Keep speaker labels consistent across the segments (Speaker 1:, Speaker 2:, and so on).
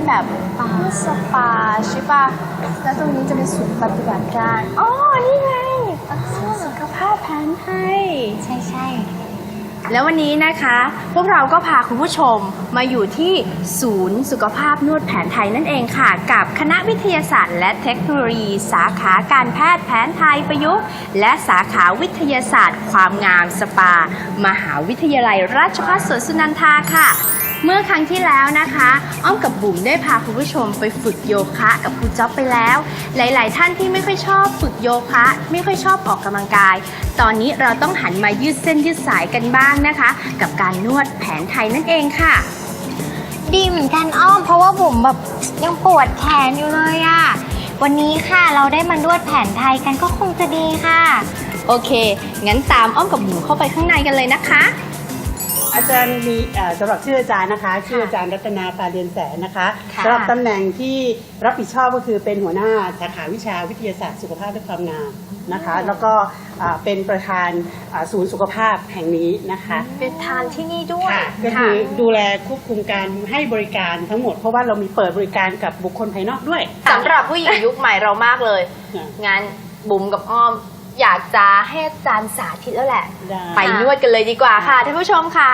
Speaker 1: แบบสปาใช่ปะแล้วตรงนี้จะเป็นศูนย์ปฏิบัติการอ๋อนี่ไงสุขภาพแผนไทยใช่แล้ววันนี้นะคะพวกเราก็พาคุณผู้ชมมาอยู่ที่ศูนย์สุขภาพนวดแผนไทยนั่นเองค่ะกับคณะวิทยาศาสตร์และเทคโนโลยีสาขาการแพทย์แผนไทยประยุกต์และสาขาวิทยาศาสตร์ความงามสปามหาวิทยาลัยราชภัฏสวนสุนันทาค่ะเมื่อครั้งที่แล้วนะคะอ้อมกับบุ๋มได้พาคุณผู้ชมไปฝึกโยคะกับครูจ๊อบไปแล้วหลายๆท่านที่ไม่ค่อยชอบฝึกโยคะไม่ค่อยชอบออกกำลังกายตอนนี้เราต้องหันมายืดเส้นยืดสายกันบ้างนะคะกับการนวดแผนไทยนั่นเองค่ะ
Speaker 2: ดีเหมือนกันอ้อมเพราะว่าบุ๋มแบบยังปวดแขนอยู่เลยอะวันนี้ค่ะเราได้มานวดแผนไทยกันก็คงจะดีค่ะ
Speaker 1: โอเคงั้นตามอ้อมกับบุ๋มเข้าไปข้างในกันเลยนะคะ
Speaker 3: อาจารย์มีสำหรับชื่ออาจารย์นะคะชื่ออาจารย์รัตนาปาเรียนแสนนะคะสำหรับตำแหน่งที่รับผิดชอบก็คือเป็นหัวหน้าสาขาวิชาวิทยาศาสตร์สุขภาพและความงามนะคะแล้วก็เป็นประธานศูนย์สุขภาพแห่งนี้นะคะ
Speaker 1: เป็นประธานที่นี่ด้วย
Speaker 3: ก็คือดูแลควบคุมการให้บริการทั้งหมดเพราะว่าเรามีเปิดบริการกับบุคคลภายนอกด้วย
Speaker 1: สำหรับผู้หญิงยุคใหม่เรามากเลยงั้นบุ๋มกับอ้อมอยากจะให้อาจารย์สาธิตแล้วแหละไปนวดกันเลยดีกว่าค่ะท่านผู้ชมค่ะ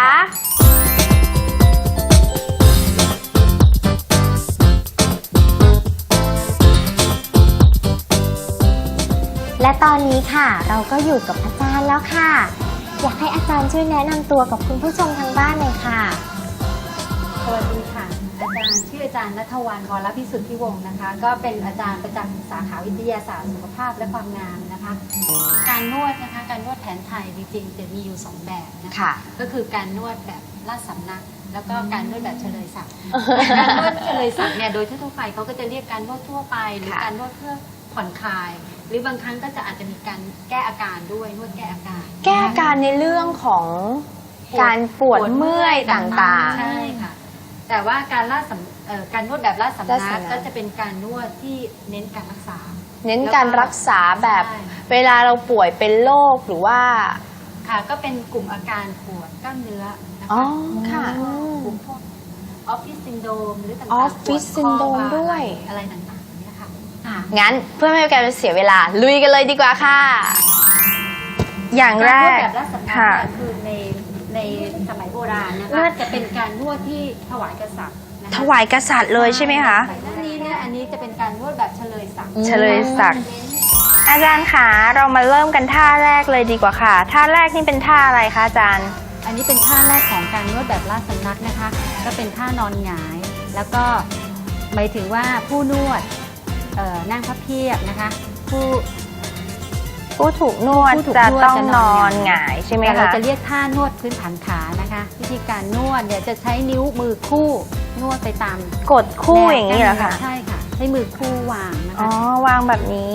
Speaker 2: และตอนนี้ค่ะเราก็อยู่กับอาจารย์แล้วค่ะอยากให้อาจารย์ช่วยแนะนำตัวกับคุณผู้ชมทางบ้านเลยค่ะ
Speaker 4: สวัสดีค่ะอาจารย์ชื่ออาจารย์ณัฐวรรณ วรพิสุทธิวงศ์นะคะก็เป็นอาจารย์ประจำสาขาวิทยาศาสตร์สุขภาพและความงามนะคะการนวดนะคะการนวดแผนไทยจริงๆจะมีอยู่2แบบนะคะก็คือการนวดแบบราชสำนักแล้วก็การนวดแบบเฉลยศักดิ์การนวดเฉลยศักดิ์เนี่ยโดยทั่วไปเขาก็จะเรียกการนวดทั่วไปหรือการนวดเพื่อผ่อนคลายหรือบางครั้งก็จะอาจจะมีการแก้อาการด้วยนวดแก้อาการ
Speaker 1: ในเรื่องของการปวดเมื่อยต่างๆ
Speaker 4: ใช่ค่ะแต่ว่าการนวดแบบราชสำนักก็จะเป็นการนวดที่เน้นการรักษา
Speaker 1: แบบเวลาเราป่วยเป็นโรคหรือว่า
Speaker 4: ค่ะก็เป็นกลุ่มอาการปวดกล้ามเนื้อนะคะ
Speaker 1: ค่ะ
Speaker 4: กลุ่มพวกออฟฟิศซินโดรมหรือต่างๆ
Speaker 1: ออฟฟิศซินโดรมด้วย
Speaker 4: อะไรต่างๆนี่ค่ะ
Speaker 1: งั้นเพื่อไม่ให้การเสียเวลาลุยกันเลยดีกว่าค่ะอย่างแรก
Speaker 4: แบบราชสำนักคือในสมัยโบราณนะคะจะเป็นการนวดที่ถวายกษัตริย์
Speaker 1: ถวายกษัตริย์เลยใช่ไหมคะ
Speaker 4: อันนี้จะเป็นการนวดแบบเฉลยศักดิ์
Speaker 1: อาจารย์คะเรามาเริ่มกันท่าแรกเลยดีกว่าค่ะท่าแรกนี่เป็นท่าอะไรคะอาจารย์
Speaker 4: อันนี้เป็นท่าแรกของการนวดแบบราชสำนักนะคะก็เป็นท่านอนหงายแล้วก็หมายถึงว่าผู้นวดนั่งพับเพียบนะคะ
Speaker 1: ผู้ถูกนวดจะต้องนอนหงายใช่ไหมคะ
Speaker 4: เราจะเรียกท่านวดพื้นฐานขานะคะวิธีการนวดเนี่ยจะใช้นิ้วมือคู่นวดไปตาม
Speaker 1: กดคู่อย่างนี้เหรอคะ
Speaker 4: ใช่ค่ะใช้มือคู่วางนะคะ
Speaker 1: อ๋อวางแบบนี้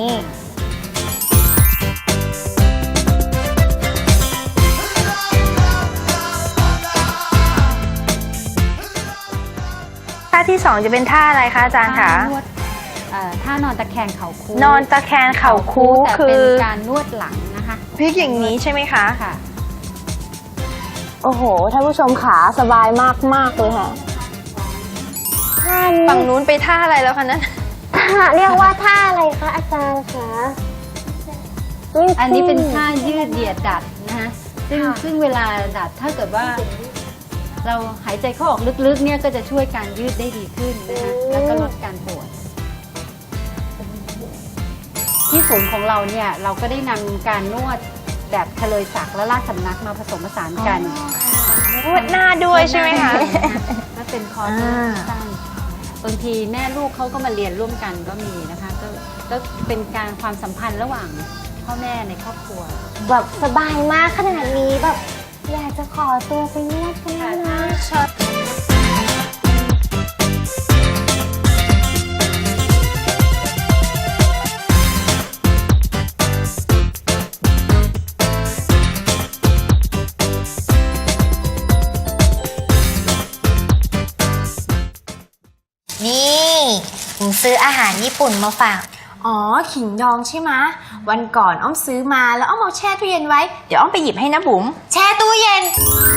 Speaker 1: ท่าที่2จะเป็นท่าอะไรคะอาจารย์คะ
Speaker 4: ท่านอนตะแคงเข่าคู
Speaker 1: นอนตะแคงเข่าคู
Speaker 4: คือเป็นการนวดหลังนะคะ
Speaker 1: พลิกอย่างนี้ใช่ไหมคะ
Speaker 4: ค่ะ
Speaker 1: โอ้โหท่านผู้ชมขาสบายมากเลยค่ะฝั่งนู้นไปท่าอะไรแล้วคะนั่น
Speaker 2: เรียกว่าท่าอะไรคะอาจารย์คะ
Speaker 4: อันนี้เป็นท่ายืดเหยียดดัดนะคะซึ่งเวลาดัดถ้าเกิดว่าเราหายใจเข้าออกลึกๆเนี่ยก็จะช่วยการยืดได้ดีขึ้นนะคะแล้วก็ลดการปวดที่ศูนย์ของเราเนี่ยเราก็ได้นำการนวดแบบเฉลยศักดิ์และราชสำนักมาผสมผสานกัน
Speaker 1: นวดหน้าด้วยใช่ไหมคะ
Speaker 4: ก็เป็นคอร์สสั้นบางทีแม่ลูกเขาก็มาเรียนร่วมกันก็มีนะคะก็เป็นการความสัมพันธ์ระหว่างพ่อแม่ในครอบครัว
Speaker 2: แบบสบายมากขนาดนี้แบบอยากจะขอตัวไปนวดกันนะนี่ผมซื้ออาหารญี่ปุ่นมาฝาก
Speaker 1: อ๋อขิงดองใช่ไหมวันก่อนอ้อมซื้อมาแล้วอ้อมเอาแช่ตู้เย็นไว้เดี๋ยวอ้อมไปหยิบให้นะบุ๋ม
Speaker 2: แช่ตู้เย็น